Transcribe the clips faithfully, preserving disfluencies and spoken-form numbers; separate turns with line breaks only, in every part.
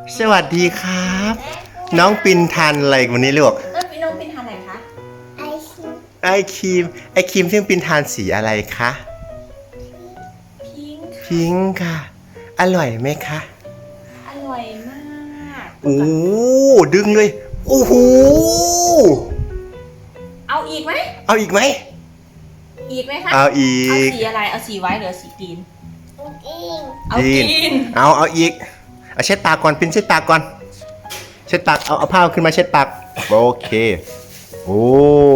สวัสดีครับน้องปินทานอะไรวันนี้ลูก
เออพี่น้องปินทานอะไรคะ
ไอครีมไอครีมไอครีมที่ปินทานสีอะไรคะ
พิงค์
พิงค์ค่ะอร่อยไหมคะ
อร่อยมาก
โอ้ดึงเลยโอ้โห
เอาอีกไหม
เอาอีกไหม
อีกไหมคะ
เอาอีก
เอาสีอะไรเอาสีไว้หรือสีกรีนเอา
กรีนเอาเอาอีกเอาเช็ดปากก่อนปินเช็ดปากก่อนเช็ดปากเอาเอาผ้าขึ้นมาเช็ดปากโอเคโอ้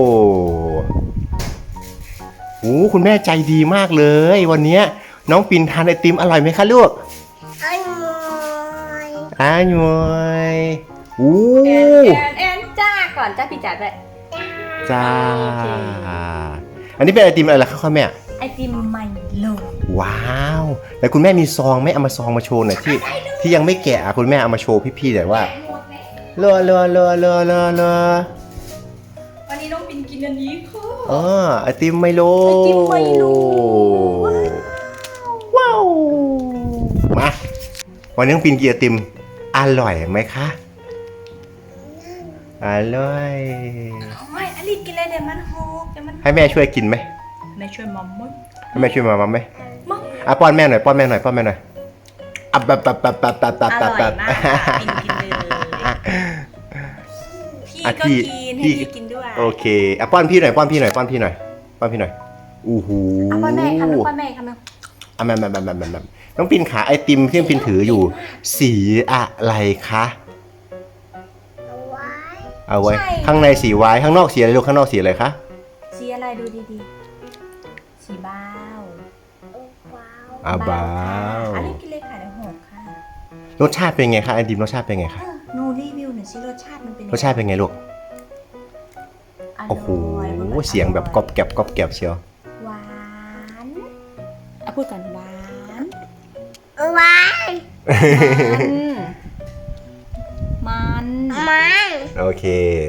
โหคุณแม่ใจดีมากเลยวันนี้น้องปินทานไอติมอร่อยไหมคะลูกอร่อยอร่อยโอ้
แอนแอนแอนจ้าก่อนจ้าพี่จ๋าด้วย
จ้าอันนี้เป็นไอติมอะไรล่ะคะแม่
ไอติมไมโล
ว้าวแล้วคุณแม่มีซองไหมเอามาซองมาโชว์หน่อยที่ที่ยังไม่แกะคุณแม่เอามาโชว์พี่ๆหน่อยว่าเลอเลอเลอเลอเลอเลอ
วันนี้น้องปินกินอันนี้ค่ะ
อ๋อไอติมไมโล
ไอติมไมโล
ว้าวมาวันนี้น้องปินกินไอติมอร่อยไหมคะอร่อย
ไม่อลิกินอะไรเดี๋ยวมันหกเดี๋ยวมัน
ให้แม่ช่วยกินไหม
แม่ช่วยมัมมั้ย
ให้แม่ช่วยมามัมไหมอ่ะป้อนแม่หน่อยป้อนแม่หน่อยป้อนแม่หน่อยอ่ะแบบแบบแบบแบบแบบแบบ
แบบแบบกินกินเลยพี่ก็กินให้พี่กินด้วย
โอเคอ่ะป้อนพี่หน่อยป้อนพี่หน่อยป้อนพี่หน่อยป้อนพี่หน่อยอู้หู
อ่ะป้อนแม่คำนึงป้อนแม่คำนึง
อ่ะแม่แม่แม่แม่แม่น้องปินขาไอติมที่น้องปินถืออยู่สีอะไรคะเอาไว้ข้างในสีไว้ข้างนอกสีอะไรลูกข้างนอกสีอะไรคะ
สีอะไรดูดีๆสีบ้าว
อ่ะบ้าว
อันนี้กินเลยค่ะเดี๋ยวหกค่ะ
รสชาติเป็นไงคะไอติมรสชาติเป็นไงคะ
หนูรีวิวหน่อยสิรสชาติมันเป็น
รสชาติเป็นไงลูกโอ้โหเสียงแบบกรอบแกรบกรอบแกรบเชียว
หวานอ่ะพูดก่อนหวาน
หวาน
มัน
มัน
โอเค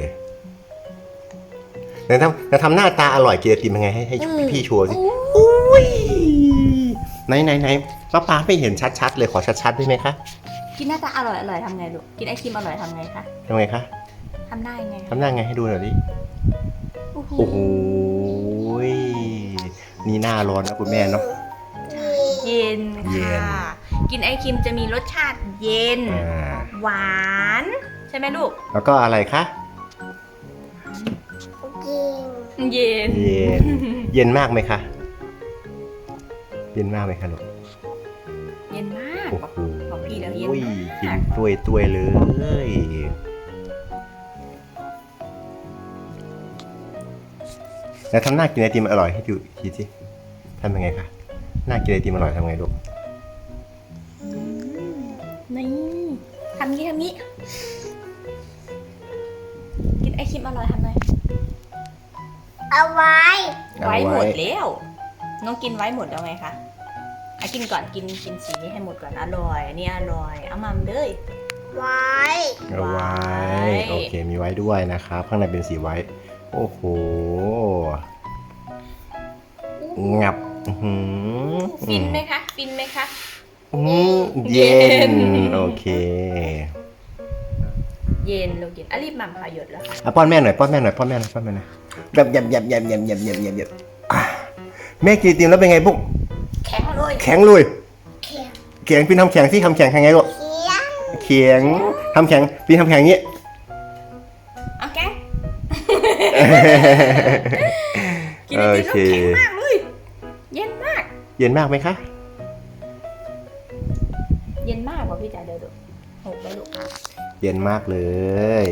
เดี๋ยวทำเดี๋ยวทำหน้าตาอร่อยกินไอติมยังไงให้ให้พี่ๆชัวร์สิอุ้ยไหนไหนไหนป้าป้าไม่เห็นชัดๆเลยขอชัดๆได้ไหมคะ
กินหน้าตาอร่อยอร่อยทำไงลูกกินไอติมอร่อยทำไงคะ
ทำไงคะ
ทำหน้ายังไง
ทำหน้าไงให้ดูหน่อยดิโอ้โหนี่หน้าร้อนนะคุณแม่เนาะ
เย็นค่ะกินไอติมจะมีรสชาติเย็นหวานใช่ไหมลูก
แล้วก็อะไรคะ
เย็น
เย็นเย็นมากไหมคะเย็นมากไหมคะลูก
เย็นมาก
โอ้โห
ของพี่แล้วเย็นมาก
กินตัวยตัวยเลยแล้วทำหน้ากินไอติมอร่อยให้ดูทีสิทำยังไงคะหน้ากินไอติมอร่อยทำไงลูก
นี่ทำงี้ทำงี้กินไอติมอร่อยทำไง
เอาไว้
ไว้หมดแล้วน้องกินไว้หมดแล้วไงคะอ่ะกินก่อนกินกินสีนี้ให้หมดก่อนอร่อยนี่อร่อยเอามาเลย
ไว้
เอาไว้โอเคมีไว้ด้วยนะครับข้างในเป็นสีไว้โอ้โหงับ
ฟินไหมคะฟินไหมคะ
เย็นโอเค
เย็นลูกเย็นอ่ะรีบมั่มค่ะหยดแล้วค่ะ
อ่ะป้อนแม่หน่อยป้อนแม่หน่อยป้อนแม่หน่อยป้อนแม่หน่อยแบบยำยำยำยำยำยำยำยำแม่กินไอติมแล้วเป็นไงปุ๊ก
แข็งเลย
แข็งเลยแข็งพี่ทำแข็งที่ทำแข็งยังไงลูกแข็งทำแข็งพี่ทำแข็งนี้
โอเคกินไอติมแล้วแข็งมากเลยเย็นมาก
เย็นมากไหมคะ
เย็นมากกว่าพี่จ๋าเดี๋ยวดูหกแล้วลูก
เย็นมากเลย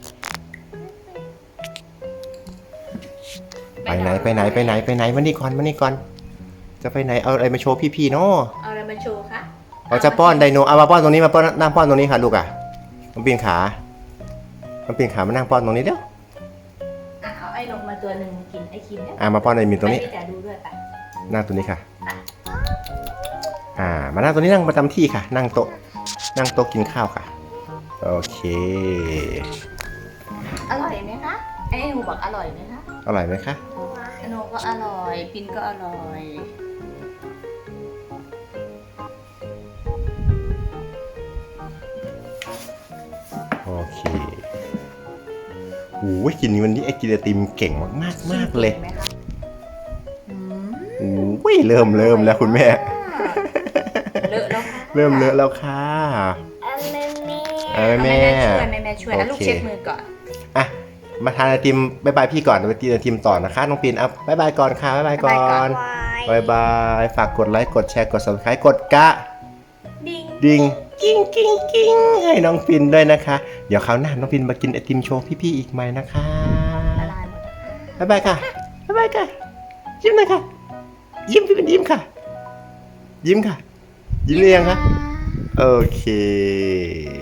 ไปไหนไปไหนไปไหนไปไหนมานี่ก่อนมานี่ก่อนจะไปไหนเอาอะไรมาโชว์พี่ๆเนาะ
เอาอะไรมาโชว์คะ
เอาจะป้อนไดโนเอามาป้อนตรงนี้มาป้อนนั่งป้อนตรงนี้ค่ะลูกอ่ะมันปีนขามันปีนขามานั่งป้อนตรงนี้เดี๋ยว
อ่ะเอาไอ้ลงมาตัวหนึ่งกินไอ้คิมเนี่ย
อ่ะมาป้อนไอ้มีตรงนี้
พี่จ๋าดูด้วยป่ะ
นั่งตรงนี้ค่ะอ่ามานั่งตรงนี้นั่งประจำที่ค่ะนั่งโต๊ะนั่งโต๊ะกินข้าวค่ะโอเค
อร่อยไหมคะไอ้หนูบอกอร่อยไหมคะ
อร่อยไหมคะ
หนูก็อร่อยปินก็อร่อย
โอ้ยกินวันนี้ไอกินไอติมเก่งมากๆมากเลย
ไหมคะอืม
โอ้ยเริ่มเริ่มแล้วคุณแม่
เลอะแล้วค่ะ
เริ่มเลอะแล้วค่ะ
เอาแม่แม่
เออ
เอา
แม่
แม่ช่วยแม่แม่ช่วยอ่ะ
โอเค
ลูกเช็ดมือก่อน
อ่ะมาทานไอติมบายบายพี่ก่อนไปกินไอติมต่อนะคะน้องปินเอาบายบายก่อนค่ะบายบายก่อน
วาย
บายบายฝากกดไลค์กดแชร์กด ซับสไครบ์ กดกระ
ดิ้ง
ดิ่งกิ้งกิ้งกิ้งให้น้องปินด้วยนะคะ เดี๋ยวคราวหน้าน้องปินมากินไอติมโชว์พี่ๆอีกไหมนะคะ
ละลายหมดแล้ว
บายบายค่ะบายบายค่ะยิ้มหน่อยค่ะยิ้มพี่เป็นยิ้มค่ะ ยิ้มค่ะ ยิ้มหรือยังคะโอเค